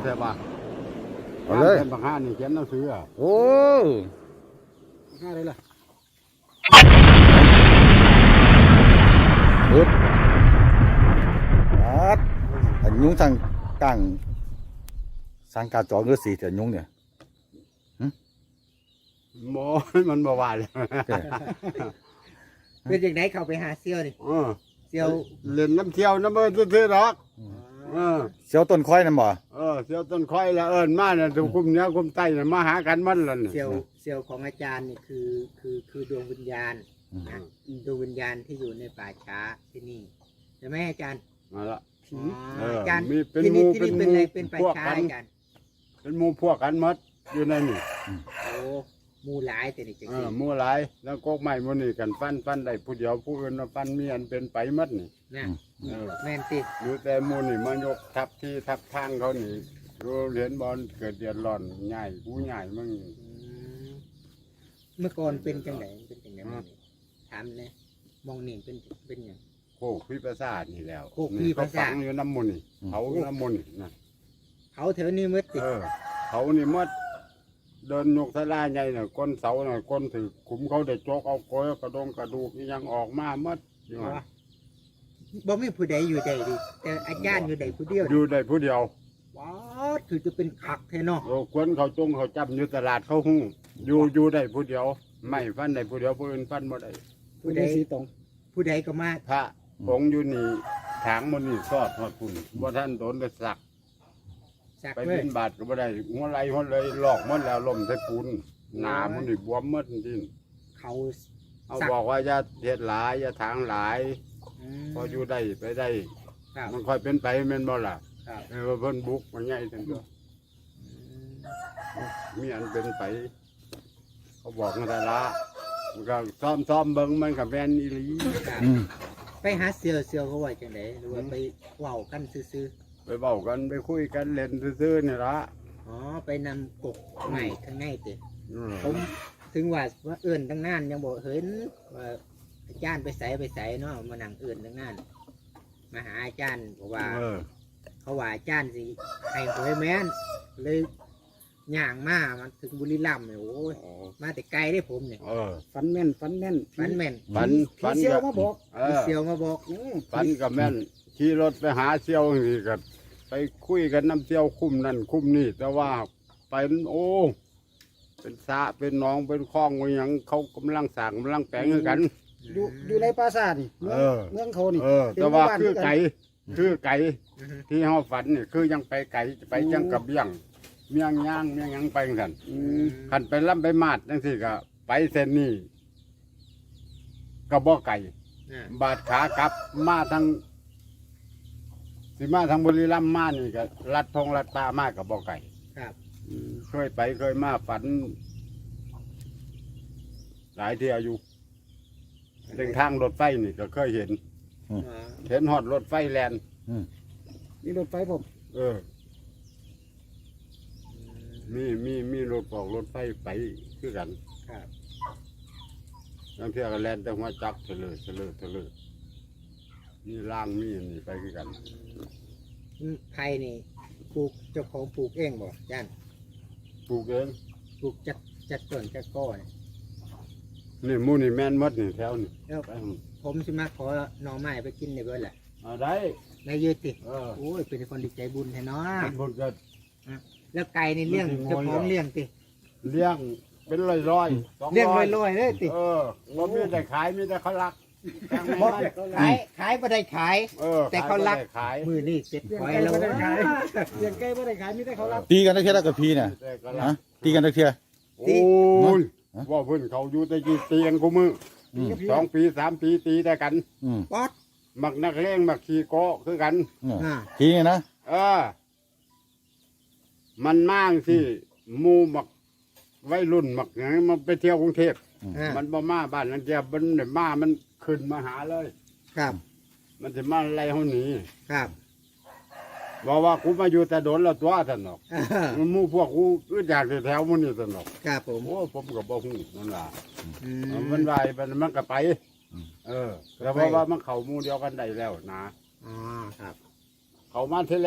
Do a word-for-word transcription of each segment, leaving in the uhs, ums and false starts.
แต่ว่าเอาเลยเป็นบางห้านี่เขียนหนังสืออ่ะโอ้ห้าเลยล่ะปึ๊บอัดอันยุงทางกลางสังกาจอเงือสีแต่ยุงเนี่ยโมมันบ่ว่าเลยเป็นอย่างไหนเข้าไปหาเซียวนี่เออเซียวเล่นน้ำเที่ยวน้ำเอิญซื่อๆหรอกเออเสียวต้นค่อยนั่นบ่เออเที่ยวต้นค่อยละเอิญมาเนี่ยถูกคุมเหนี้ยคุมใต้เนี่ยมาหากันมันละเนี่ยเซียวเซียวของอาจารย์นี่คือคือคือดวงวิญญาณนะดวงวิญญาณที่อยู่ในป่าช้าที่นี่ใช่ไหมอาจารย์มาละอ๋เออออาจารย์มีเป็นที่นี่หมู่ที่นี่เป็เป็นนหมู่อะไรเป็นป่าพวกช้ากันอาจารย์เป็นหมูพวกกันหมดอยู่ในนี่โอ้หมูหลายแต่นี่จังเอซี่อหมูหลายแล้วก็ไม้มันนี่กันฟันฟันได้ผู้เดียวผู้อื่นมาฟันมีอันเป็นไปหมดนี่นะเออแม่นติอยู่แต่หมูนี่มันยกทับที่ทับทางเขานี่ดูเหรียญบอลเกิดเดือดร้อนใหญ่ผู้ใหญ่มึงอืมเมื่อก่อนเป็นจังไดเป็นจังไดมองนี่ถามเลยมองนี่เป็นเป็นหยังโคกพิประสาทนี่แล้วโคกพิประสาทนี่เขฝังอยู่น้ำมูลนี่เขาน้ำมูลนี่นะเขาแถวนี้มืดติเออเขานี่หมดเดินยกทะลาใหญ่น่ะก้นเสาน่ะก้นถือขุมเขาได้โจกเอาก้อยกระดงกระดูกนี่ยังออกมาหมดอยู่หั่นบ่มีผู้ใดอยู่ใดดิแต่อาจารย์อยู่ใดผู้เดียวอยู่ได้ผู้เดียวว้าคือจะเป็นคักแท้เนาะโอ้ควนเขาจงเขาจับอยู่ตลาดเขาหุ้งอยู่อยู่ได้ผู้เดียว ไม่ฟันได้ผู้เดียวผู้อื่นฟันบ่ได้ผู้ใดสีตรง ผู้ใดก็มาพระองค์อยู่นี่ถางมันนี่ซอดทอดคุณบ่ท่านโดนไปสักสักไปเลบิยนบาทก็บ่ได้หัวไหลหัวเลยหลอกหมดแล้วลมใส่ปูนหนามันนี่บวมหมดจริงเขาๆเอาบอกว่าอย่าเฮ็ดหลายอย่าถางหลายมพออยู่ได้ไปได้ครับมันค่อยเป็นไปแม่นบ่ล่ะครับเออว่าเพิ่นบุกมันใหญ่ทั้งตัวอืมมีอันเป็นไป เขาบอกมาแต่ละมันก็ซ้อมซ้อมเบิ่งมันก็แม่นอีหลีครับอืมไปหาเซียวเซียวเขาว่าจังไดหรือว่าไปเว้ากันซื่อไปเว้ากันไปคุยกันเล่นซื่อๆนี่ละๆอ๋อไปนำกกใหม่ข้างในติอืมผมถึงว่าว่าเอื่นตั้งนานยังบอกเห็นว่าอาจารย์ไปใส่ไปใส่เนาะมานั่งเอื่นตั้งนานมาหาอาจารย์บอกว่าเออเขาว่าอาจารย์สิให้หวยแม่นเลยย่างมามันถึงบุรีรัมย์เนี่ยโอ้ยอ๋อมาแต่ไกลได้ผมเนี่ยเออฝันแม่นฝันแม่นฟันแม่นฝันผีฝันเซียวก็มาบอกเอมีอเซียวมาบอกอืมฝันกับแม่นขี่รถไปหาเซี่ยวนี่ก็ไปคุยกันน้ำเซี่ยวคุ้มนั่นคุ้มนี่แต่ว่าไปนั่นโอ้เป็นสระเป็นหนองเป็นคลองว่าหยังเขากำลังสร้างกำลังแปลงให้กันอยู่อยู่ในปราสาทนี่เมืองเออเมืองเขานี่เออ แต่ว่าเป็นหมู่บ้านคือไก่คือไก่อือฮึที่เฮาฝันนี่คือยังไปไก่ไปยังกับเบี้ยงเมียงย่างเมียงหยังไปกันอืมขันไปล่ำไปมาดจังสิก็ไปเส้นนี้ก็บ่ไก่อ่าบาดขากลับมาทางสิมาทางบุรีรัมย์มานี่ก็ลัดทงลัดตามากกับบ่ไก่ครับเคยไปเคยมาฝัน หลายเที่ยวอยู่เส้นทางรถไฟนี่ก็เคยเห็นอ๋อเห็นหอดรถไฟแลนมีรถไฟผมเออ มีมีมีรถออกรถไฟไปคือกันครับบางเที่ยวก็แลนแต่หัวจับเถลอเถลอเถลอมีล่างมีอันนี่ไปคือกันอืมไผ่นี่ปลูกเจ้าของปลูกเองบ่อาจารย์ปลูกเองปลูกจัดจัดต้นจัดก้อนนี่หมูนี่แม่นหมดนี่แถวนี่แล้วไปผมสิมาขอหน่อไม้ไปกินในเบิดแหละเอาได้นายยืดติเออโอ้ยเป็นคนดีใจบุญแท้เนาะมันบนก็แล้วไก่ในเลี้ยงมันสิเจ้าของงอยเหรอเลี้ยงติเลี้ยงเป็นร้อยร้อยๆสองเลี้ยงร้อยลอยๆเลยติเออว่ามีแต่ขายมีแต่เขารักแพงบ่ไม่ได้ขายขายบ่ได้ขายเออแต่เขารักขยบ่ได้ขายมือนี่เสร็จเลี้ยงไว้ไก่แล้วไม่ได้ขายเลี้ยงไก่ไม่ได้ขายมีแต่เขารับตีกันได้แค่ละกับพีเนี่ยแต่เขารัฮะกตีกันได้แค่โอ้ยฮะว่าเพื่อนเขาอยู่แต่กี่เตียงกูมืออืมสองปีสามปีตีได้กันอืมป๊อดมักนักเลงมักขี่โกะคือกันเนี่ยอ่าทีเนี่ยนะเออ มันมากที่หมูมักวัยรุ่นมักอย่างนี้มันไปเที่ยวกรุงเทพอ่ามันบ่มาบ้านนั่นเดียวมันเนี่ยมามันขึ้นมาหาเลยครับมันจะมาไล่เขาหนีครับบอกว่ากูมาอยู่แต่โดนแล้วตัวท่านหรอกอ่ามันหมู่พวกกูอึดอยากจะแถวมันนี่ท่านหรอกครับผมโอ้ผมก็บ่ฮู้นั่นล่ะอืมันไปมันมันก็ไป เออแต่ว่าว่ามันเข้าหมู่เดียวกันได้แล้วนะอ๋อครับเขามาที่แรก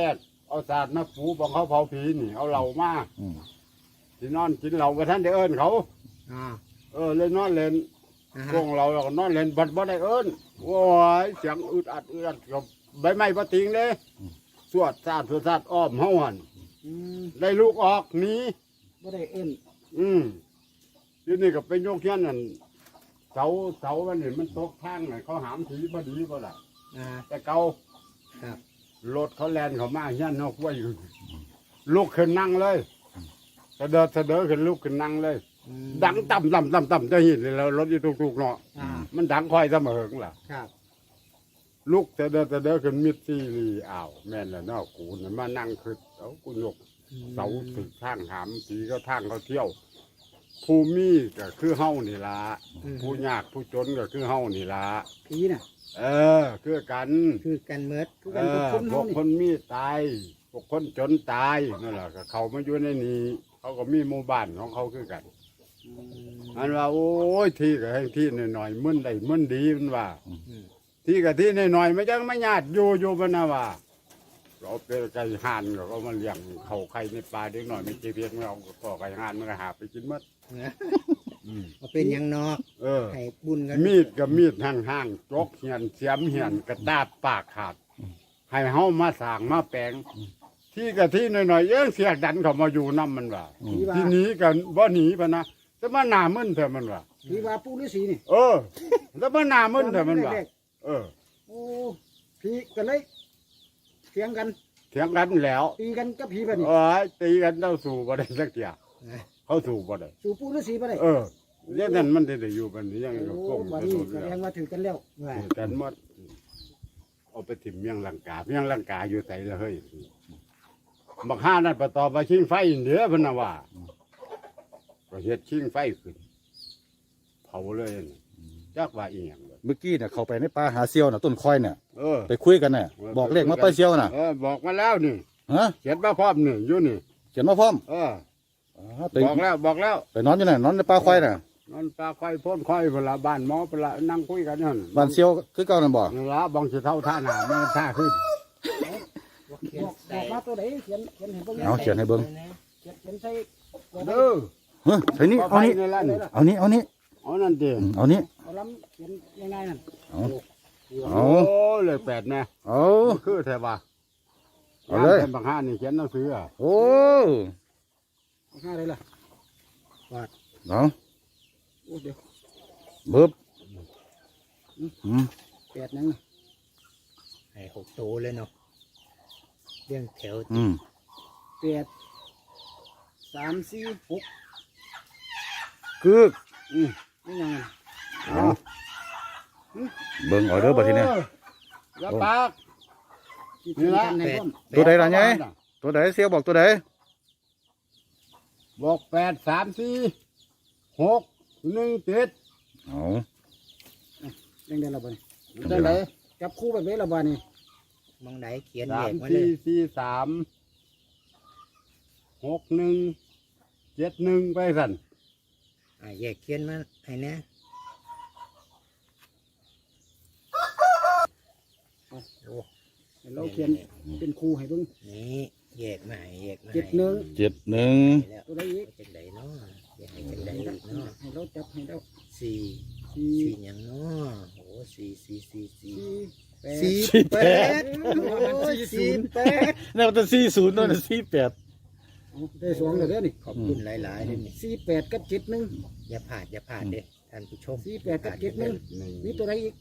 เอาศาสตร์มาปูบังเขาเผาผีนี่เอาเหล่ามาอืมที่นอนกินเหล่าไปท่านได้เอิ้นเขาอ๋อเออเลยนอนเล่นอ่าพวฮะกเราเราก็นอนเล่นบัดบ่ได้เอิ้นโอ้ยเสียงอึดอัดอึดอัดกับใบไม้ปะติงเลยสวดซาดสวดซาดอ้อมเฮาหันอืมได้ลูกออกหนีบ่ได้เอิ้นอืมทีนี่ก็ไปโยกเทียนนั่นเสาเสามันนี่มันตกทางน่ะเขาหามผีพอดีก็ล่ะอ่าแต่เก่าครับรถเขาแลนเขามาเฮียนนอกไว้อยู่ลุกขึ้นนั่งเลยเสะเดินเสะเดินขึ้นลุกขึ้นนั่งเลยอืมดังต่ำต่ำต่ำต่ำจะเห็นเลยแล้วรถอยู่ตุกๆเนาะอ่ามันดังคอยเสมอล่ะครับลุกเสะเดินเสะเดินขึ้นมิดซีรีอ้าวแม่นแล้วเนาะกูน่ะมานั่งขึ้นเอากูยกเสาถึกทางหามผีก็ทางเขาเที่ยว ผู้มีก็คือเฮานี่ล่ะอืมผู้ยากผู้จนก็คือเฮานี่ล่ะผีน่ะเออ คือกันคือกันเมิดคือเอกันกับอคนพเฮาวกนี่คนมีตายพวกคนจนตายนั่นแหละก็เขามาอยู่ในนี้เขาก็มีหมู่บ้านของเขาคือกันอืมมันว่า โอ้ยที่ก็ให้ที่หน่อยๆมึนได้มึนดีมันว่าอืมที่กับที่หน่อยๆไม่จังไม่ญาติอยู่อยู่มันนะว่า เราเป็นไก่ห่านก็มาเลี้ยงเขาไข่ในปลาเด็กหน่อยไม่เจีเพียงเราก็ไก่ห่านมันก็หาไปกินหมดอืมมาเป็นหยังนอกเออให้บุญกันมีดกับมีดห่างๆจกเหียนเสียมเหียนกระดาบปากขาด ให้เฮามาสร้างมาแปลง ที่กับที่หน่อยๆเอ้งเสียดันเขามาอยู่น้ำมันว่าอืผีมว่าที่หนี้กันบ่หนีปะนะแต่มาหนามึนเถอะมันว่าผีว่าปู่ฤาษีนี่เออแต่มาหนามึนเถอะมันว่าแรกเออๆโอ้ผีก็เลยเถียงกันเถียงกันแล้วตีกันกับผีบัดนี้เอ้ยตีกันเจ้าสู่บ่ได้สักเทียนะเขาสู่บ่ได้สู่ปู่ฤาษีบ่ได้เออเรื่องนั้นมันได้อยู่บัดนี้ยังโอ้ก็ก้มบัดกระนี้โดดแสแล้ดงวว่าถือกันแล้วว่าถือกันหมดเอาไปถิ่มเมียงลังกาเมียงลังกาอยู่ไสละเฮ้ยบักห้านั่นประตอบมาชิงไฟเด้อเพิ่นน่ะว่าก็เฮ็ดชิงไฟขึ้นเผาเลยน่ะจักว่าอีหยังเลยเมื่อกี้เนี่ยเขาไปในป่าหาเซียวน่ะต้นคอยเนี่ยเออไปคุยกันเนี่ยบอกเลขมาป้าเซียวน่ะเออบอกมาแล้วนี่ฮะเขียนมาพร้อมนี่อยู่นี่เขียนมาพร้อมเอออ๋อไปบอกแล้วบอกแล้วไปนอนอยู่ไหนนอนในป่าควายน่ะนอนปลาควายพ่นควายเวลาบ้านหมอเวลานั่งคุยกันนั่นบ้านเซียวคือเก่านั่นบ่นี่ละบางสิเท่าท่าหนาไม่ท่าขึ้นเขียบนอกบใส่อกมาตัวไหนเขียนเขียนให้เบิ่งเอาเขียนให้เบิ่งเขียนเขียนใส่ตัวไหนเด้อเฮ้ยใส่นี่ปลาเอาไฟนี่นี่ละนี่เอานี่เอานี่เอานั่นเดีอืมเอานี่เอาล้ำเขียนยังไงนั่นเอาโอ้เลยแปดแน่เอาคือแท้ว่าเอาเลยเป็นบางห้านี่เขียนหนังสืออ่ะโอ้ห้าเลยล่ะเอาโอ้เดี๋ยวเบิบอืมแปดนังน่ะให้หกตัวเลยเนาะเรื่องแถวอืมแปดสามสี่หกกึกอืมนี่ยังไงเอาเบิ่งเอาเด้อบัดทีเนี้ยอออย่าปากที่นี่ที่ละกันในร่มตัวใดล่ะไงตัวใดเซียวบอกตัวใดบอกแปดสามสี่หกหนึ่งเจ็ดเอายังได้ละบ่นี่ได้ไหนจับคู่แบบนี้ละบ่นี่มองไหนเขียนสาเลมขมาเลสี่ยสี่สามหกหนึ่งเจ็ดหนึ่งไปสั่นอ่าแยกเขียนมาให้นะให้เราเขียนเป็นคู่ให้เบิ่งนี่แยกมาให้แยกมาเจ็ดหนึ่งเจ็ดหนึ่งให้แล้วตัวใดอีกจังใดเนาะแยกให้จังใดอีกเนาะให้เราจับให้เราสี่สี่สี่หยังเนาะโอ้สี่สี่สี่สี่สี่แปดสี่แปดโอ้ยสี่แปดนี่มันจะสี่ศูนย์นั่นน่ะสี่แปดเอาได้สองเลยเด้อนี่ขอบคุณหลายๆเลยนี่สี่แปดกับเจ็ดหนึ่งอย่าผ่านอย่าผ่านเด้ท่านผู้ชมสี่แปดกับเจ็ดหนึ่งมีตัวใดอีก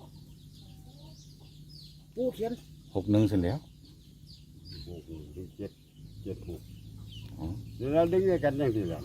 ปูเขียนหกหนึ่งเสร็จแล้วหกเจ็ดเจ็ดหกอ๋อเดี๋ยวเราดึงด้วยกันอย่างที่ละ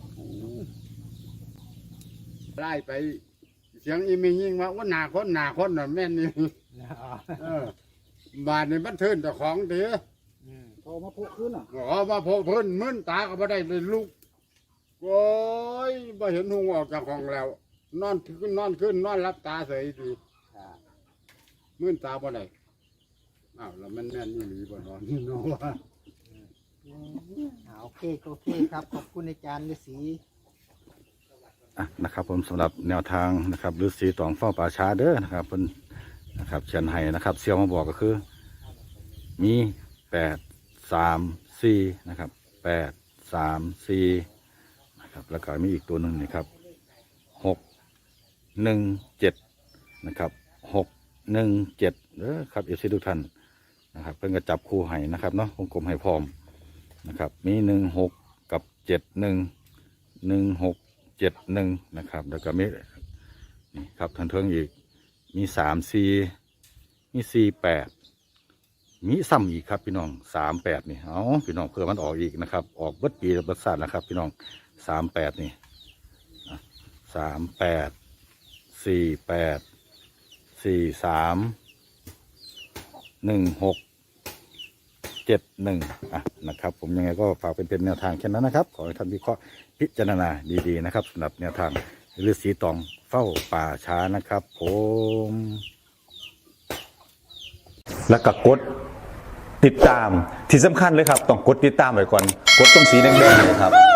ไล่ไป เสียงอีมียิงมาว่าหนาคนหนาคนน่ะแม่นนี่เออบาดนี่มันเทินแต่ของเด้อพอมาโพกขึ้นอ่ะเอามาโผล่เพิ่นมึนตาก็บ่ได้เลยลูกโอ้ยบ่เห็นหุงออกจากห้องแล้ว นอนขึ้นนอนขึ้นนอนรับตาเฉยดีมึนตาบ่ได้อ้าวแล้วมันแม่นนี่หรือบ่นอนนี่เนาะว่าอ่าโอเคโอเคครับ ขอบคุณอาจารย์ฤาษีอ่ะนะครับผมสำหรับแนวทางนะครับฤาษีตองเฝ้าป่าช้าเด้อนะครับเพิ่นนะครับเชียนไห้นะครับเซียวมาบอกก็คือ มีแปดสามสี่นะครับแปดสามสี่นะครับแล้วก็มีอีกตัวหนึ่งนี่ครับหกหนึ่งเจ็ดนะครับหกหนึ่งเจ็ดเด้อครับเอฟซีทุกท่านนะครับเพิ่งจะจับคู่ให้นะครับเนาะวงกลมให้พร้อมนะครับมีหนึ่งหกกับเจ็ดหนึ่งหนึ่งหกเจ็ดหนึ่งนะครับแล้วก็มีนี่ครับทันเทิงอีกมีสามสี่มีสี่แปดมีซ้ำอีกครับพี่น้องสามแปดนี่เอาพี่น้องเพื่อมันออกอีกนะครับออกเบิดปีเบิดศาสตร์นะครับพี่น้องสามแปดนี่สามแปดสี่แปดสี่สามหนึ่งหกเจ็ดหนึ่งอ่ะนะครับผมยังไงก็ฝากเป็นเป็นแนวทางแค่นั้นนะครับขอให้ท่านวิเคราะห์พิจารณาดีๆนะครับสำหรับแนวทางฤาษีตองเฝ้าป่าช้านะครับผมแล้วก็กดติดตามที่สำคัญเลยครับต้องกดติดตามไว้ก่อนกดตรงสีแดงๆเลยครับ